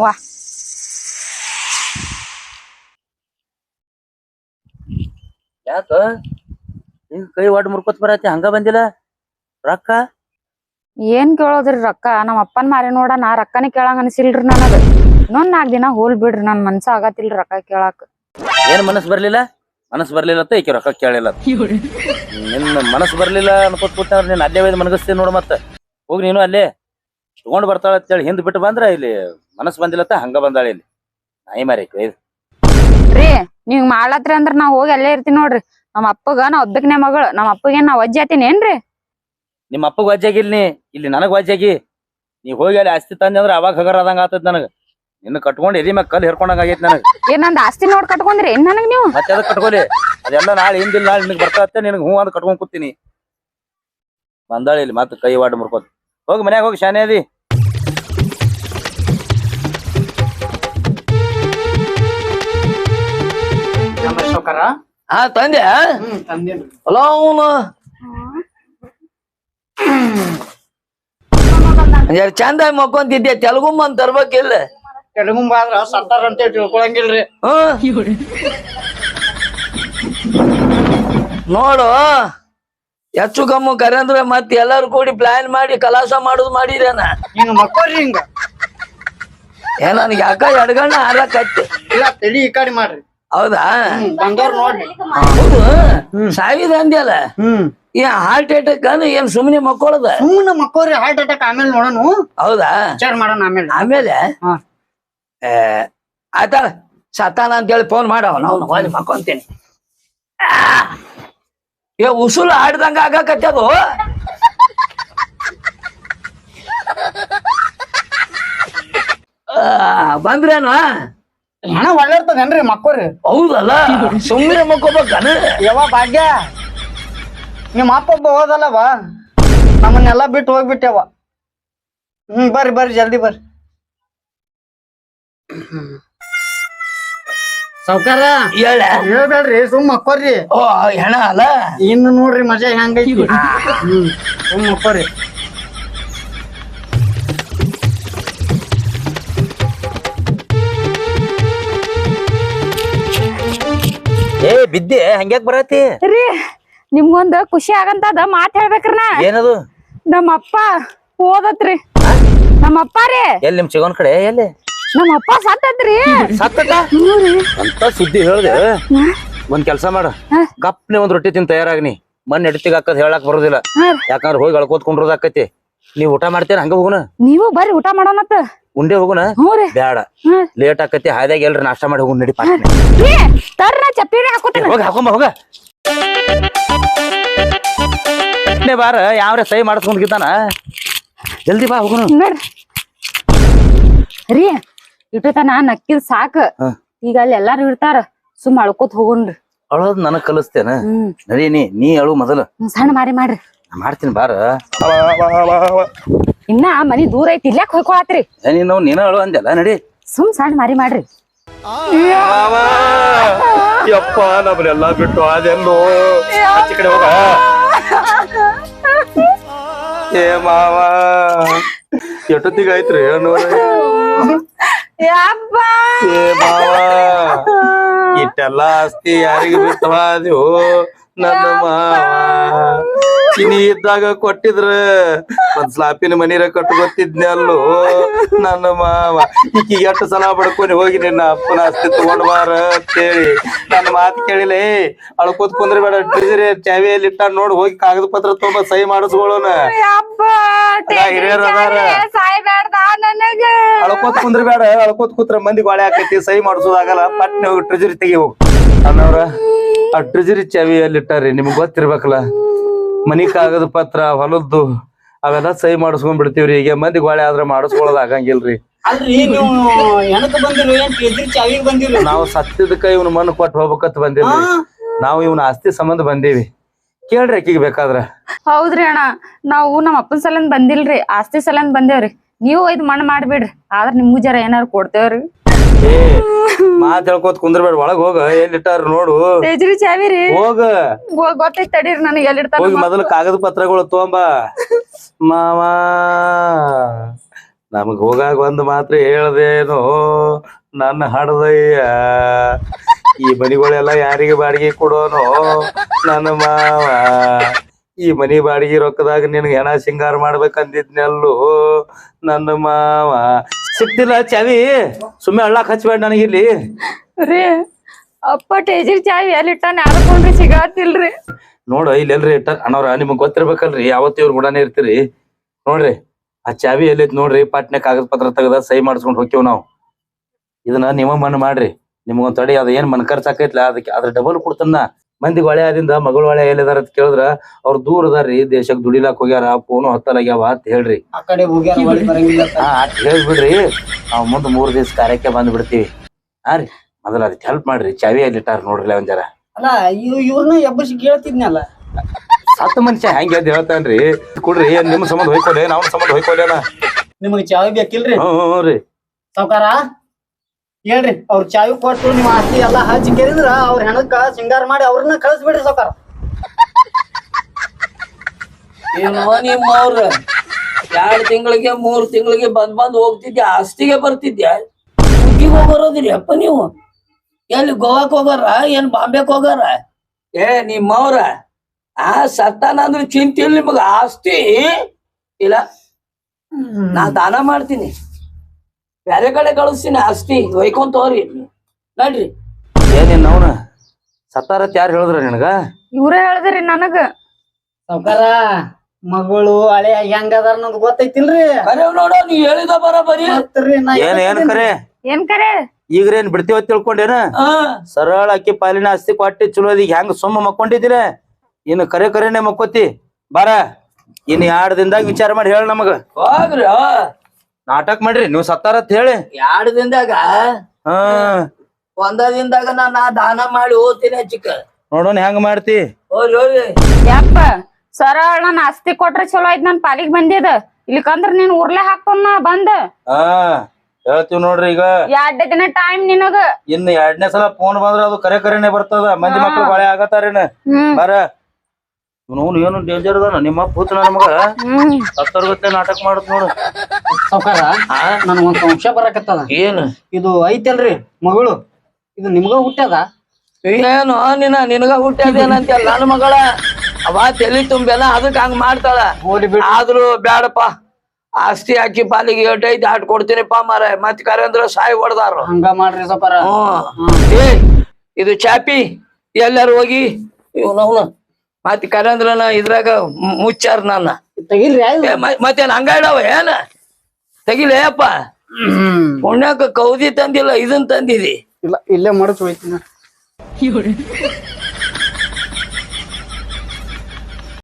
ಯಾಕ ಈಗ ಕೈ ಒಡ್ ಮುರ್ಕೋತ್ ಬರತಿ ಹಂಗ ಬಂದಿಲ್ಲ ರೊಕ್ಕ? ಏನ್ ಕೇಳೋದ್ರಿ ರೊಕ್ಕ? ನಮ್ಮ ಅಪ್ಪನ್ ಮಾರಿ ನೋಡ ನಾ ರೊಕ್ಕನೇ ಕೇಳಂಗ ಅನ್ಸಿಲ್ರಿ ನನಗ. ಇನ್ನೊಂದ್ 4 ದಿನ ಹೋಲ್ ಬಿಡ್ರಿ. ನನ್ ಮನ್ಸ ಆಗತ್ತಿಲ್ರಿ ರೊಕ್ಕ ಕೇಳಾಕ. ಏನ್ ಮನಸ್ ಬರ್ಲಿಲ್ಲ ಅಂತ ಈಕೆ ರೊಕ್ಕ ಕೇಳಿಲ್ಲ. ನಿನ್ನ ಮನಸ್ ಬರ್ಲಿಲ್ಲ ಅನ್ಕೋತ್ ಕೂತ ನೀನ್ ಅಲ್ಲೇ ಒಯ್ದು ಮನಗಸ್ತೀನಿ ನೋಡು. ಮತ್ತ ಹೋಗಿ ನೀನು ಅಲ್ಲೇ ತಗೊಂಡ್ ಬರ್ತಾಳ ಅಂತೇಳಿ ಹಿಂದ್ ಬಿಟ್ಟು ಬಂದ್ರ ಇಲ್ಲಿ ಮನಸ್ ಬಂದಿಲ್ಲತ್ತ ಹಂಗ ಬಂದಾಳ. ಇಲ್ಲಿ ನಾಯಿ ಮಾರಿ ರೀ ನೀವ್ ಮಾಡ್ಲತ್ರಿ ಅಂದ್ರ ನಾ ಹೋಗಿ ಅಲ್ಲೇ ಇರ್ತೀನಿ ನೋಡ್ರಿ. ನಮ್ಮ ಅಪ್ಪಗ ನಾ ಒಬ್ಬಕ್ನೆ ಮಗಳು. ನಮ್ಮ ಅಪ್ಪಗೇನ್ ನಾ ವಜ್ಜೆ ಆತೀನಿ ಏನ್ರಿ? ನಿಮ್ಮ ಅಪ್ಪಗ್ ವಜ್ಜಾಗಿಲ್ ಇಲ್ಲಿ ನನಗ್ ವಜ್ಜಾಗಿ. ನೀ ಹೋಗಿ ಅಲ್ಲಿ ಆಸ್ತಿ ತಂದೆ ಅಂದ್ರ ಅವಾಗ ಹಗರ ಆದಂಗ ಆತದ ನನಗ. ನಿನ್ನ ಕಟ್ಕೊಂಡ್ ಎದಿ ಮ್ಯಾಗ ಕಲ್ ಹಿರ್ಕೊಂಡಂಗ ಆಗೈತಿ ನನಗ. ಏನ್ ನಂದ್ ಆಸ್ತಿ ನೋಡ್ ಕಟ್ಕೊಂಡ್ರಿ ಏನ್ ನನಗ್ ನೀವು? ಮತ್ತೆ ಅದಕ್ಕೆ ಕಟ್ಕೊಲಿ. ಅದೆಲ್ಲ ನಾಳೆ ಹಿಂದಿಲ್ ನಾಳೆ ನಿನಗ್ ಬರ್ತಾತ್ತೆ. ನಿನಗ್ ಹೂ ಅಂತ ಕಟ್ಕೊಂಡ್ ಕೂತೀನಿ. ಬಂದಾಳಿ ಇಲ್ಲಿ ಮತ್ತ ಕೈ ವಾಡ್ ಮುರ್ಕೋತ. ಹೋಗಿ ಮನ್ಯಾಗ ಹೋಗಿ ಶಾನೆ ಅದಿ. ತಂದೆ ಅಲ್ಲ ಅವನು ಚಂದ ಮಕ್ಕೊಂತಿದ್ದೆ. ತೆಲುಗುಂಬಂದ್ ತರ್ಬೇಕಿಲ್ಲ? ತೆಲುಗುಂಬ ಆದ್ರ ಸತ್ತಾರ ಅಂತ ತಿಳ್ಕೊಳಂಗಿಲ್ರಿ. ನೋಡು ಹೆಚ್ಚು ಕಮ್ಮು ಕರೆ ಅಂದ್ರೆ ಮತ್ತೆ ಎಲ್ಲಾರು ಕೂಡಿ ಪ್ಲಾನ್ ಮಾಡಿ ಕಲಾಸ ಮಾಡುದು ಮಾಡಿದೇನ. ಹಿಂಗ ಮಕ್ಕೋರಿ ಹಿಂಗ ನನ್ಗೆ ಯಾಕ ಎಡಗಣ್ಣ ಹಾರಕತ್ತೆ. ಇಲ್ಲ ತಲಿ ಈ ಕಡೆ ಮಾಡ್ರಿ. ಹೌದಾ? ಬಂದವ್ರ ನೋಡ್ರಿ. ಹೌದು ಸಾವಿದ ಅಂದ್ಯಲ್ಲ. ಹಾರ್ಟ್ ಅಟ್ಯಾಕ್ ಏನ್ ಸುಮ್ನೆ ಮಕ್ಕೊಳದ? ಸುಮ್ಮನೆ ಮಕ್ಕೋರಿ ಹಾರ್ಟ್ ಅಟ್ಯಾಕ್ ಆಮೇಲೆ ನೋಡೋಣ. ಹೌದಾ? ವಿಚಾರ ಮಾಡೋಣ ಆಮೇಲೆ ಆಯ್ತಾಳ ಸತ್ತಾನ ಅಂತೇಳಿ ಫೋನ್ ಮಾಡವ ನಾವು ಹೋಗಿ ಮಕ್ಕೊಂತೀನಿ. ಉಸುಲು ಆಡ್ದಂಗ ಆಗಾಕತ್ತದು. ಬಂದ್ರೇನು ಹಣ ಒಳ್ಳೆ ಇರ್ತದೇನ್ರಿ ಮಕ್ಕೋರಿ? ಹೌದಲ್ಲ ಸುಮ್ಮನೆ ಮಕ್ಕೋಬೇಕನ? ಯಾವ ಭಾಗ್ಯ ನಿಮ್ಮ ಅಪ್ಪ ಒಬ್ಬ ಹೋದಲ್ಲವ ನಮ್ಮನ್ನೆಲ್ಲಾ ಬಿಟ್ಟು ಹೋಗ್ಬಿಟ್ಟೆವ. ಬರ್ರಿ ಜಲ್ದಿ ಬರ್ರಿ. ಸಾವ್ಕಾರ ಹೇಳ ಹೇಳ್ಬೇಡ್ರಿ ಸುಮ್ ಮಕ್ಕೋರಿ ಓ ಹೆಣ ಅಲ್ಲ ಇನ್ನು ನೋಡ್ರಿ ಮಜಾ ಹೆಂಗೈತಿ ಸುಮ್ ಮಕ್ಕೋರಿ ಏ ಬಿದ್ದೆ ಹಂಗ್ಯಾಕ್ ಬರತಿ ರೀ ನಿಮ್ಗೊಂದ್ ಖುಷಿ ಆಗಂತದ ಮಾತ್ ಹೇಳ್ಬೇಕ್ರಿ ನಾ ಏನದು ನಮ್ಮಪ್ಪ ಓದತ್ರಿ ನಮ್ಮಪ್ಪ ರೀ ಎಲ್ಲಿ ನಿಮ್ ಚಿಗೋನ್ ಕಡೆ ಎಲ್ಲಿ ನಮ್ಮಪ್ಪ ಸತ್ತತ್ರಿ ಸತ್ತಟ ಅಂತ ಸುದ್ದಿ ಹೇಳ್ದೆ ಒಂದ್ ಕೆಲ್ಸ ಮಾಡ ಗಪ್ನೆ ಒಂದ್ ರೊಟ್ಟಿ ತಿನ್ ತಯಾರಾಗ್ನಿ ಮನ್ ಎಡ್ತಿಗ್ ಹಾಕದ್ ಹೇಳಕ್ ಬರೋದಿಲ್ಲ ಯಾಕಂದ್ರ ಹೋಗಿ ಅಳ್ಕೋತ್ ಕುಂಡ್ರೋದಾಕತಿ ನೀವ್ ಊಟ ಮಾಡ್ತೇನ ಹಂಗ ಹೋಗುನ ನೀವು ಬರ್ರಿ ಊಟ ಮಾಡೋಣತ್ತ ಉಂಡೆ ಹೋಗುನ ಹ್ಞೂ ರೀ ಬ್ಯಾಡ ಲೇಟ್ ಆಕತಿ ಹಾದ್ಯಾಗ ಎಲ್ರಿ ನಾಷ್ಟ ಮಾಡಿ ಹೋಗುನ್ ನಡಿ ಪಾಟ್ನೆ ರೀ ತರ್ರ ಚಪ್ಪಿನೇ ಹಾಕೋತೀನಿ ಹೋಗಿ ಹಾಕೊಂಬ ಹೋಗ ಬಾರ ಯಾವ್ರೆ ಸಹಿ ಮಾಡಿಸ್ಕೊಂಡ್ಗಿದ್ದಾನ ಜಲ್ದಿ ಬಾ ಹೋಗುನು ನೋಡ್ರಿ ರೀ ಇಟ್ಟತನ ನಕ್ಕಿದ್ ಸಾಕ ಈಗ ಅಲ್ಲಿ ಎಲ್ಲಾರು ಇರ್ತಾರ ಸುಮ್ ಅಳ್ಕೋತ್ ಹೋಗುನ್ರಿ ಅಳೋದ್ ನನಗ್ ಕಲಿಸ್ತೇನ ನಡಿ ನೀ ಅಳು ಮೊದಲು ಸಣ್ಣ ಮಾರಿ ಮಾಡ್ರಿ ನಾ ಮಾಡ್ತೀನಿ ಬಾರ ಇನ್ನ ಮನಿ ದೂರ ಐತಿ ಇಲ್ಯಾಕ್ ಹೋಯ್ಕೊಳತ್ರಿ ನೀನ ಅಳು ಅಂದೆಲ್ಲ ನಡಿ ಸುಮ್ ಸಣ್ಣ ಮಾರಿ ಮಾಡ್ರಿ ಯಪ್ಪ ನಮ್ಮನ್ನೆಲ್ಲ ಬಿಟ್ಟು ಅದೆಲ್ಲೋ ಆಚೆ ಕಡೆ ಹೋಗ ಏ ಮಾವ ಎಷ್ಟೊತ್ತಿಗೆ ಆಯ್ತ್ರಿ ಏ ಮಾವ ಇಟ್ಟೆಲ್ಲ ಆಸ್ತಿ ಯಾರಿಗೆ ಬಿಟ್ಟವ ಅದು ನನ್ನ ಮಾವ ಚಿನಿ ಇದ್ದಾಗ ಕೊಟ್ಟಿದ್ರ ಒಂದ್ ಸ್ಲಾಪಿನ ಮನೀರ ಕಟ್ಕೊತಿದ್ನೆ ಅಲ್ಲೋ ನನ್ನ ಮಾವ ಈಕಿ ಎಷ್ಟು ಸಲ ಬಡ್ಕೊಂಡು ಹೋಗಿ ನಿನ್ನ ಅಪ್ಪನ ಆಸ್ತಿ ತಗೊಂಡ್ ಬಾರ ಅಂತೇಳಿ ನನ್ನ ಮಾತು ಕೇಳಿಲೆ ಅಳ್ಕೋತ್ ಕುಂದ್ರೆ ಬೇಡ ಟ್ರೆಜರಿ ಚಾವಿಯಲ್ಲಿ ಇಟ್ಟ ನೋಡ್ ಹೋಗಿ ಕಾಗದ ಪತ್ರ ತುಂಬ ಸಹಿ ಮಾಡಿಸ್ಕೊಳ್ಳೋಣ ಹಿರಿಯರ್ ಅದಾರ ಅಳ್ಕೋತ್ ಕುಂದ್ರೆ ಬೇಡ ಅಳ್ಕೋತ್ ಕೂತ್ರ ಮಂದಿ ಗೋಳೆ ಹಾಕೈತಿ ಸಹಿ ಮಾಡಿಸೋದಾಗಲ್ಲ ಪಟ್ನೆ ಹೋಗಿ ಟ್ರೆಜರಿ ತೆಗಿ ಹೋಗಿ ಅನ್ನವ್ರ ಆ ಟ್ರೆಜರಿ ಚಾವಿಯಲ್ಲಿ ಇಟ್ಟಾರಿ ನಿಮ್ಗ್ ಗೊತ್ತಿರ್ಬೇಕಲ್ಲ ಮನಿ ಕಾಗದ ಪತ್ರ ಹೊಲದ್ದು ಅವೆಲ್ಲ ಸಹಿ ಮಾಡಿಸ್ಕೊಂಡ್ ಬಿಡ್ತೀವ್ರಿ ಈಗ ಮಂದಿ ಗೋಳೆ ಆದ್ರ ಮಾಡಿಸ್ಕೊಳ್ಳೋದ್ ಆಗಂಗಿಲ್ರಿ ಅಲ್ರಿ ನೀವು ಹೆಣಕ್ ಬಂದಿರಿ ಏನ್ ಎದ್ರಿ ಚಾವಿಗೆ ಬಂದಿರಿ ನಾವು ಸತ್ತಿದಕ್ಕ ಇವ್ನ ಮಣ್ಣು ಕೊಟ್ಟು ಹೋಗ್ಬೇಕಂತ ಬಂದಿಲ್ರಿ ನಾವು ಇವನ ಆಸ್ತಿ ಸಂಬಂಧ ಬಂದೀವಿ ಕೇಳ್ರಿ ಅಕ್ಕಿಗೆ ಬೇಕಾದ್ರ ಹೌದ್ರಿ ಅಣ್ಣ ನಾವು ನಮ್ಮ ಅಪ್ಪನ ಸಲಂದ್ ಬಂದಿಲ್ರಿ ಆಸ್ತಿ ಸಲಂದ್ ಬಂದೇವ್ರಿ ನೀವು ಇದ್ ಮಣ್ಣ್ ಮಾಡ್ಬಿಡ್ರಿ ಆದ್ರ ನಿಮ್ಗೂ ಜರ ಏನಾರು ಕೊಡ್ತೇವ್ರಿ ಏ ಮಾತ್ ಹೇಳ್ಕೋತ್ ಕುಂದ್ರಬೇಡ ಒಳಗ್ ಹೋಗ ಎಲ್ಲಿಟ್ಟಾರ ನೋಡು ತೇಜ್ರಿ ಚಾವಿ ರೀ ಹೋಗ ಗೊತ್ತೈತ್ ತಡೀರಿ ನನಗೆ ಎಲ್ಲಿಡ್ತಾರ ಹೋಗಿ ಮೊದಲು ಕಾಗದ ಪತ್ರಗಳು ತೊಗೊಂಬ ಮಾವ ನಮಗ್ ಹೋಗಾಗ ಒಂದ್ ಮಾತ್ರ ಹೇಳ್ದೇನೋ ನನ್ನ ಹಡದಯ್ಯ ಈ ಮನಿಗಳೆಲ್ಲ ಯಾರಿಗೆ ಬಾಡಿಗೆ ಕೊಡೋನು ನನ್ನ ಮಾವ ಈ ಮನಿ ಬಾಡಿಗೆ ರೊಕ್ಕದಾಗ ನಿನ್ಗೆ ಹೆಣ ಸಿಂಗಾರ ಮಾಡ್ಬೇಕಂದಿದ್ನಲ್ಲೂ ನನ್ನ ಮಾವ ಸಿಕ್ತಿಲ್ಲ ಚಾವಿ ಸುಮ್ಮನೆ ಹಳ್ಳಾಕ್ ಹಚ್ಬೇಡ ನನಗಿಲ್ಲಿ ರೀ ಅಪ್ಪ ತೇಜ್ರಿ ಚಾವಿ ಎಲ್ಲಿಟ್ಟಾನ ಯಾರಕೊಂಡ್ರಿ ಸಿಗಾತಿಲ್ರಿ ನೋಡ ಇಲ್ಲೆಲ್ರಿ ಇಟ್ಟ ಅಣ್ಣವ್ರ ನಿಮಗ್ ಗೊತ್ತಿರ್ಬೇಕಲ್ರಿ ಯಾವತ್ತು ಇವ್ರ ಗುಡಾನೇ ಇರ್ತೀರಿ ನೋಡ್ರಿ ಆ ಚಾವಿ ಎಲ್ಲೈತ್ ನೋಡ್ರಿ ಪಾಟ್ನೆ ಕಾಗದ ಪತ್ರ ತೆಗದ ಸಹಿ ಮಾಡಿಸ್ಕೊಂಡ್ ಹೋಗ್ತೇವ್ ನಾವ್ ಇದನ್ನ ನಿಮ್ಮ ಮಣ್ಣು ಮಾಡ್ರಿ ನಿಮ್ಗೊಂದ್ ತಡಿ ಅದ ಏನ್ ಮನ್ ಖರ್ಚ್ ಆಕೈತ್ಲ ಅದಕ್ಕೆ ಅದ್ರ ಡಬಲ್ ಕೊಡ್ತನ್ನ ಮಂದಿ ಹೊಳೆ ಆದಿಂದ ಮಗಳ ಹೊಳೆ ಎಲ್ಲಿದಾರ ಅಂತ ಕೇಳಿದ್ರ ಅವ್ರ ದೂರ ಅದಾರ್ರಿ ದೇಶಕ್ ದುಡಿಲಾಕ್ ಹೋಗ್ಯಾರ ಫೋನು ಹತ್ತಲಾಗ್ಯಾವ ಅಂತ ಹೇಳ್ರಿ ಆ ಕಡೆ ಹೋಗ್ಯಾರ ಹೊಳಿ ಬರಂಗಿಲ್ಲ ಅಟ್ ಹೇಳ್ಬಿಡ್ರಿ ನಾವ್ ಮುಂದ್ 3 ದಿವಸ ಕಾರ್ಯಕ್ಕೆ ಬಂದ್ ಬಿಡ್ತೀವಿ ಹಾ ರೀ ಮೊದಲ ಅದಕ್ಕೆ ಹೆಲ್ಪ್ ಮಾಡ್ರಿ ಚಾವಿ ಎಲ್ಲಿಟ್ಟಾರ ನೋಡ್ರಿ ಒಂದ್ ಜರ ಅಲ್ಲ ಇವ್ರನ್ನ ಎಬ್ಬಸಿ ಕೇಳ್ತಿದ್ನಲ್ಲ ಸತ್ತ ಮನುಷ್ಯ ಹೆಂಗ್ ಎದ್ದು ಹೇಳ್ತಾನ್ರಿ ಕೊಡ್ರಿ ಏನ್ ನಿಮ್ ಸಂಬಂಧ ಹೋಯ್ಕೊಲೆ ನಾವ್ ಸಂಬಂಧ ಹೋಯ್ಕೊಲೇನ ನಿಮಗ್ ಚಾವಿ ಬೇಕಿಲ್ರಿ ಹ್ಞೂ ರೀ ಸಾವ್ಕಾರ ಹೇಳ್ರಿ ಅವ್ರ ಚಾವಿ ಕೊಟ್ಟು ನಿಮ್ ಆಸ್ತಿ ಎಲ್ಲಾ ಹಚ್ಚಿ ಕೇಳಿದ್ರ ಅವ್ರ ಹೆಣಕ್ಕ ಸಿಂಗಾರ ಮಾಡಿ ಅವ್ರನ್ನ ಕಳಿಸ್ಬಿಡ್ರಿ ಸಾವ್ಕಾರ ನಿಮ್ಮ ಅವ್ರ 2 ತಿಂಗಳಿಗೆ 3 ತಿಂಗಳಿಗೆ ಬಂದ್ ಹೋಗ್ತಿದ್ಯಾ ಆಸ್ತಿಗೆ ಬರ್ತಿದ್ಯಾ ಹುಟ್ಟಿಗೆ ಹೋಗೋದಿರಿ ಅಪ್ಪ ನೀವು ಎಲ್ಲಿ ಗೋವಾಕ್ ಹೋಗಾರ ಏನ್ ಬಾಂಬೆಕ್ ಹೋಗಾರ ಏ ನಿಮ್ಮವ್ರ ಆ ಸತ್ತಾನ ಅಂದ್ರೆ ಚಿಂತೆ ಇಲ್ಲ ನಿಮಗ ಆಸ್ತಿ ಇಲ್ಲ ನಾ ದಾನ ಮಾಡ್ತೀನಿ ಬೇರೆ ಕಡೆ ಕಳಿಸ್ತೀನಿ ಆಸ್ತಿ ಒಯ್ಕೊಂತ ಹೋಗ್ರಿ ನಡ್ರಿ ಏನೇನ್ ಅವನ ಸತ್ತಾರತ್ ಯಾರು ಹೇಳಿದ್ರ ನಿನಗ ಇವ್ರೇ ಹೇಳ್ದ್ರಿ ನನಗ ಸಾವ್ಕಾರ ಮಗಳು ಹಳೆ ಹೆಂಗದಾರ ಅನ್ನೋದು ಗೊತ್ತೈತಿಲ್ರಿ ಕರೆ ನೋಡ ನೀ ಹೇಳಿದ ಬರೀ ಮತ್ರಿ ನಾ ಏನ್ ಕರೆ ಏನ್ ಕರೆ ಈಗ್ರೇನ್ ಬಿಡ್ತೀವ ತಿಳ್ಕೊಂಡೇನ ಸರಳ ಅಕ್ಕಿ ಪಾಲಿನ ಆಸ್ತಿ ಕೊಟ್ಟಿ ಚಲೋದೀಗ ಹೆಂಗ್ ಸುಮ್ಮ ಮಕ್ಕೊಂಡಿದ್ದೀರ ಇನ್ನು ಕರೆನೆ ಮಕ್ಕೋತಿ ಬಾರ ಇನ್ 2 ದಿನದಾಗ ವಿಚಾರ ಮಾಡಿ ಹೇಳ ನಮಗ ಹೋಗ್ರಿ ನಾಟಕ ಮಾಡ್ರಿ ನೀವ್ ಸತ್ತಾರತ್ ಹೇಳಿ 2 ದಿನದಾಗ ಹಾ 1 ದಿನದಾಗ ನಾ ದಾನ ಮಾಡಿ ಹೋಗ್ತೀನಿ ಚಿಕ್ಕ ನೋಡೋಣ ಹೆಂಗ್ ಮಾಡ್ತಿ ಹೋಗ್ರಿ ಯಪ್ಪ ಸರಳ ನನ್ ಆಸ್ತಿ ಕೊಟ್ರೆ ಚಲೋ ಆಯ್ತು ನನ್ ಪಾಲಿಗೆ ಬಂದಿದ ಇಲ್ಲಿಕಂದ್ರ ನೀನ್ ಉರ್ಲೆ ಹಾಕೊಂಡ್ ನಾ ಬಂದ ಹಾ ಹೇಳ್ತೀವಿ ನೋಡ್ರಿ ಈಗ 2 ದಿನ ಟೈಮ್ ನಿನಗ. ಇನ್ನು 2ನೇ ಸಲ ಫೋನ್ ಬಂದ್ರ ಅದು ಕರೆನೆ ಬರ್ತದ. ಮಂದಿ ಮಕ್ಳು ಬಾಳೆ ಆಗತ್ತಾರೇನ ಬಾರ. ನೋನು ಏನು ಡೇಂಜರ್ ಅದಾನ ನಿಮ್ಮ ಪೂತನ ನಮಗ ಸತ್ತರ್ಗತ್ತೆ ನಾಟಕ ಮಾಡತ್ ನೋಡು. ಸಾವ್ಕಾರ ನನ್ಗೊಂದ್ ಸಂಶಯ ಬರಕತ್ತದ. ಏನು ಇದು ಐತಲ್ರಿ ಮಗಳು, ಇದು ನಿಮ್ಗ ಹುಟ್ಟ್ಯದ? ಏನು ನಿನಗ ಹುಟ್ಟ್ಯಾದೇನಂತ ನನ್ನ ಮಗಳ ಅವ ತಲಿ ತುಂಬೆಲ್ಲ ಅದಕ್ ಹಂಗ ಮಾಡ್ತಾಳ. ಹೋಲಿ ಬಿಡ್. ಆದ್ರೂ ಬ್ಯಾಡಪ್ಪ, ಆಸ್ತಿ ಹಾಕಿ ಪಾಲಿಗೆ ಏಟೈತಿ ಆಟ್ ಕೊಡ್ತೀನಿಪ್ಪ ಮಾರ. ಮತ್ ಕರೆಂದ್ರ ಸಾಯಿ ಹೊಡ್ದಾರ. ಹಂಗ ಮಾಡ್ರಿ ಸಾವ್ಕಾರ. ಏ ಇದು ಚಾಪಿ ಎಲ್ಲಾರು ಹೋಗಿ ಇವ್ನವ್ನ ಮತ್ ಕರೆಂದ್ರನ ಇದ್ರಾಗ ಮುಚ್ಚಾರ ನನ್ನ. ತೆಗಿಲ್ರಿ. ಮತ್ತೇನ್ ಹಂಗ ಇಡವ ಏನ ತೆಗಿಲೇ ಅಪ್ಪ. ಪುಣ್ಯಕ್ಕ ಕೌದಿ ತಂದಿಲ್ಲ, ಇದನ್ ತಂದಿದಿ. ಇಲ್ಲ, ಇಲ್ಲೇ ಮಡಚ್ ಹೋಯ್ತೀನಿ.